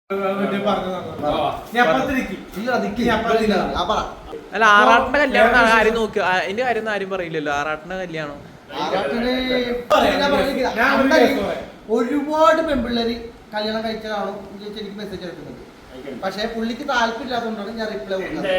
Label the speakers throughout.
Speaker 1: അല്ല ആറാട്ടിന്റെ കല്യാണം ആരും നോക്കുക അതിന്റെ കാര്യം ആരും പറയില്ലല്ലോ. ആറാട്ടിന്റെ കല്യാണം
Speaker 2: ഒരുപാട് പെൺപിള്ളേര് കല്യാണം കഴിച്ചതാണോ എനിക്ക് മെസ്സേജ് എടുക്കുന്നത്. പക്ഷെ പുള്ളിക്ക് താല്പര്യമില്ലാത്തതുകൊണ്ടാണ് ഞാൻ റിപ്ലൈ കൊടുക്കുന്നത്.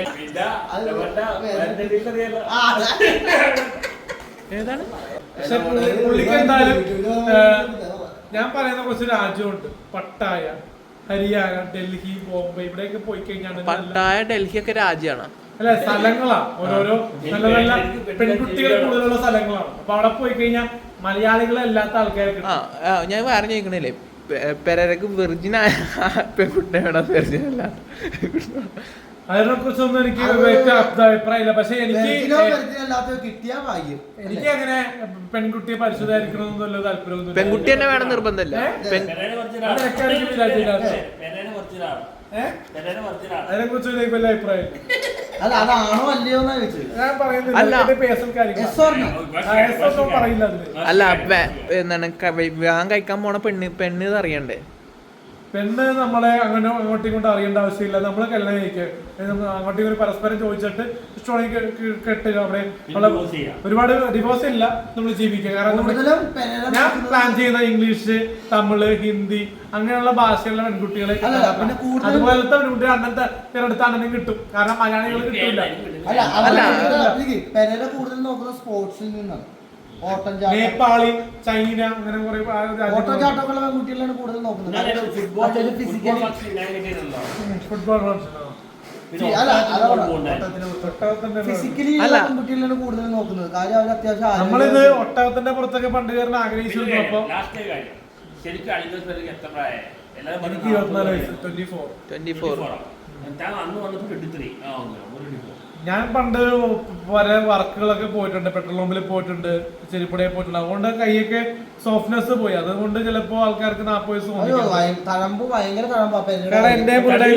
Speaker 1: ഏതാണ്
Speaker 3: പുള്ളിക്ക് എന്തായാലും ഞാൻ പറയുന്ന കുറച്ച് രാജ്യമുണ്ട്. പട്ടായ, ഹരിയാന, ഡൽഹി, ബോംബെ ഇവിടെയൊക്കെ പോയി കഴിഞ്ഞാൽ
Speaker 1: പട്ടായ ഡൽഹി ഒക്കെ രാജ്യമാണ്.
Speaker 3: അല്ല സ്ഥലങ്ങളാ, ഓരോരോ നല്ല നല്ല പെൺകുട്ടികൾ കൂടുതലുള്ള സ്ഥലങ്ങളാണ്. അപ്പൊ അവിടെ പോയി കഴിഞ്ഞാൽ മലയാളികളല്ലാത്ത ആൾക്കാരൊക്കെ.
Speaker 1: ഞാൻ വേറെ ചോദിക്കണില്ലേ, പെരക്ക് വെർജിനായ പെൺകുട്ടിയുടെ വെർജിൻ അല്ല.
Speaker 3: അതിനെ കുറിച്ചൊന്നും എനിക്ക് അഭിപ്രായമില്ല. പക്ഷെ എനിക്ക് അങ്ങനെ പെൺകുട്ടിയെ പരിശുദ്ധമായിരിക്കണമെന്ന് വല്ല താല്പര്യമൊന്നും.
Speaker 1: പെൺകുട്ടി തന്നെ വേണം നിർബന്ധമല്ല.
Speaker 3: അതിനെ കുറിച്ച് വലിയ അഭിപ്രായം
Speaker 2: അതാണോ അല്ലയോ
Speaker 3: ഞാൻ പറയില്ല.
Speaker 1: അല്ല എന്താണ് വിവാഹം കഴിക്കാൻ പോണ പെണ്ണ് അറിയണ്ടേ?
Speaker 3: പെണ്ണ് നമ്മളെ അങ്ങനെ അങ്ങോട്ടും ഇങ്ങോട്ടും അറിയേണ്ട ആവശ്യമില്ല. നമ്മള് കല്യാണം കഴിക്കുക, അങ്ങോട്ടും ഇങ്ങോട്ടും പരസ്പരം ചോദിച്ചിട്ട് ഇഷ്ടമാണെങ്കിൽ കെട്ടുക. അവിടെ ഒരുപാട് ഡിവോഴ്സ് ഇല്ല, നമ്മൾ ജീവിക്കുക. കാരണം ഞാൻ പ്ലാൻ ചെയ്യുന്ന ഇംഗ്ലീഷ്, തമിഴ്, ഹിന്ദി അങ്ങനെയുള്ള ഭാഷയുള്ള പെൺകുട്ടികളെ, അതുപോലത്തെ പെൺകുട്ടികൾ അണ്ണന്റെ പേരെടുത്ത് അണ്ണനും കിട്ടും. കാരണം മലയാളികൾ കിട്ടില്ല.
Speaker 2: കൂടുതൽ നോക്കുന്ന സ്പോർട്സിൽ നിന്നാണ്.
Speaker 3: നേപ്പാളി, ചൈന അങ്ങനെ കുറെ
Speaker 2: ഓട്ടോചാട്ടമുള്ള പെൺകുട്ടികളാണ് കൂടുതൽ നോക്കുന്നത്.
Speaker 3: ഫുട്ബോൾ
Speaker 2: ഫിസിക്കലി പെൺകുട്ടികളാണ് കൂടുതൽ നോക്കുന്നത്. കാര്യം അവർ അത്യാവശ്യം
Speaker 3: നമ്മളിത് ഒട്ടകത്തിന്റെ പുറത്തൊക്കെ പണ്ട് കയറാൻ ആഗ്രഹിച്ചിരുന്നു. അപ്പൊ എനിക്ക് 24 വയസ്സ്, 24. ഞാൻ പണ്ട് വരെ വർക്കുകളൊക്കെ പോയിട്ടുണ്ട്, പെട്രോൾ പമ്പിൽ പോയിട്ടുണ്ട്, ചെരിപ്പുടയിൽ പോയിട്ടുണ്ട്. അതുകൊണ്ട് കൈയൊക്കെ സോഫ്റ്റ്നെസ് പോയി. അതുകൊണ്ട് ചിലപ്പോ ആൾക്കാർക്ക് 40 വയസ്സ് തോന്നി. എന്റെ പിള്ളേരുടെ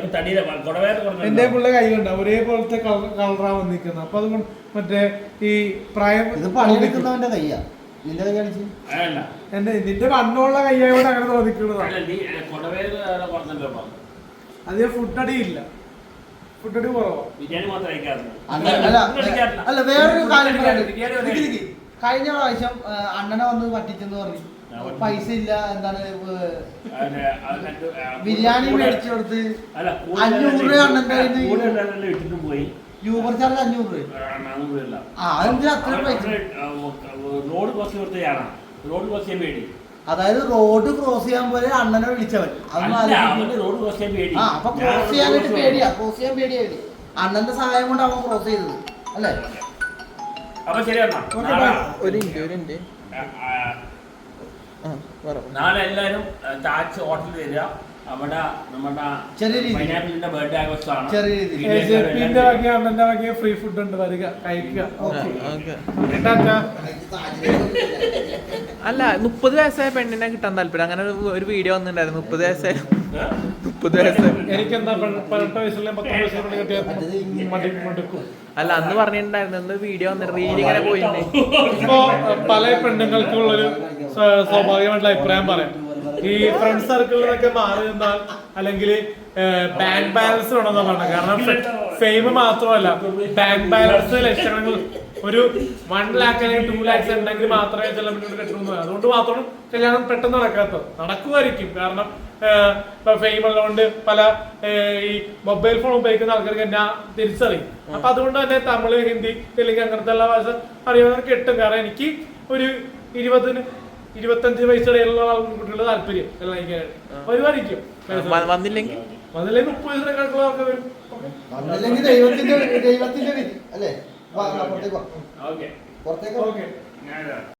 Speaker 3: കൈയുണ്ട് ഒരേപോലത്തെ കളറാ വന്നിരിക്കുന്നത്. അപ്പൊ അതുകൊണ്ട് മറ്റേ ഈ പ്രായം
Speaker 2: പണിയെടുക്കുന്നവന്റെ കയ്യാ
Speaker 3: നിന്റെ വണ്ണമുള്ള കയ്യായോട് അങ്ങനെ തോന്നിക്കുന്നതാണ്. അതേ ഫുഡടിയില്ല, ഫുഡടി കുറവാ.
Speaker 2: അല്ല വേറൊരു കാര്യം, കഴിഞ്ഞ പ്രാവശ്യം അണ്ണനെ വന്ന് പറ്റിച്ചെന്ന് പറഞ്ഞു. പൈസ ഇല്ല, എന്താണ് ബിരിയാണി മേടിച്ചു കൊടുത്ത് 500 രൂപ അണ്ണന്റെ പോയി. യൂബർ ചാർജ് 500 രൂപ. അതെന്തിനാ അത്ര പൈസ? അതായത് റോഡ് ക്രോസ് ചെയ്യാൻ പോലെ അണ്ണനെ വിളിച്ചവൻ. അപ്പൊ ക്രോസ് ചെയ്യാനായിട്ട് പേടിയാ, ക്രോസ് ചെയ്യാൻ പേടിയാ. അണ്ണന്റെ സഹായം കൊണ്ട് അവൻ ക്രോസ് ചെയ്തത് അല്ലേ?
Speaker 4: നാളെ എല്ലാരും താജ് ഹോട്ടലിൽ വരിക. അവിടെ നമ്മുടെ പൈനാപ്പിളിന്റെ ബർത്ത്ഡേ ആഘോഷമാണ്.
Speaker 3: ഫ്രീ ഫുഡ് ഉണ്ട്, വരിക കഴിക്കുക.
Speaker 1: അല്ല 30 വയസ്സായ പെണ്ണിനെ കിട്ടാൻ താല്പര്യം. അങ്ങനെ ഒരു വീഡിയോ വന്നിട്ടുണ്ടായിരുന്നു. 30 വയസ്സായ
Speaker 3: എനിക്കെന്താ 18 വയസ്സുള്ള 10 വയസ്സുള്ള കിട്ടിയാൽ.
Speaker 1: അല്ല അന്ന് പറഞ്ഞിട്ടുണ്ടായിരുന്നു, വീഡിയോ വന്നിട്ട് റീൽ ഇങ്ങനെ പോയിട്ടുണ്ട്.
Speaker 3: ഇപ്പോ പല പെണ്ണുങ്ങൾക്കുള്ളൊരു സ്വാഭാവികമായിട്ടുള്ള അഭിപ്രായം പറയാം. ഈ ഫ്രണ്ട് സർക്കിളിൽ നിന്നൊക്കെ മാറി നിന്നാൽ അല്ലെങ്കിൽ ബാങ്ക് ബാലൻസ് വേണമെന്നാ പറഞ്ഞത്. കാരണം ഫെയിം മാത്രമല്ല, ബാങ്ക് ബാലൻസ് ലക്ഷങ്ങൾ ഒരു 1 lakh അല്ലെങ്കിൽ 2 lakhs ഉണ്ടെങ്കിൽ മാത്രമേ ചില മുന്നോട്ട് കെട്ടണമെന്ന്. അതുകൊണ്ട് മാത്രം കല്യാണം പെട്ടെന്ന് നടക്കുമായിരിക്കും. കാരണം ഫെയിം ഉള്ളതുകൊണ്ട് പല ഈ മൊബൈൽ ഫോൺ ഉപയോഗിക്കുന്ന ആൾക്കാർക്ക് എന്നെ തിരിച്ചറിയും. അപ്പൊ അതുകൊണ്ട് തന്നെ തമിഴ്, ഹിന്ദി, തെലുങ്ക് അങ്ങനത്തെ ഉള്ള ഭാഷ അറിയാവുന്നവർ കിട്ടും. കാരണം എനിക്ക് ഒരു 20-25 വയസ്സിടയിലുള്ള കുട്ടികളുടെ താല്പര്യം എല്ലാം വരുമായിരിക്കും.
Speaker 1: വന്നില്ലെങ്കിൽ
Speaker 3: 30 വയസ്സിനേക്കാളുള്ള ആൾക്കാർ വരും.
Speaker 2: ദൈവത്തിന്റെ വിധി അല്ലേ? പുറത്തേക്ക്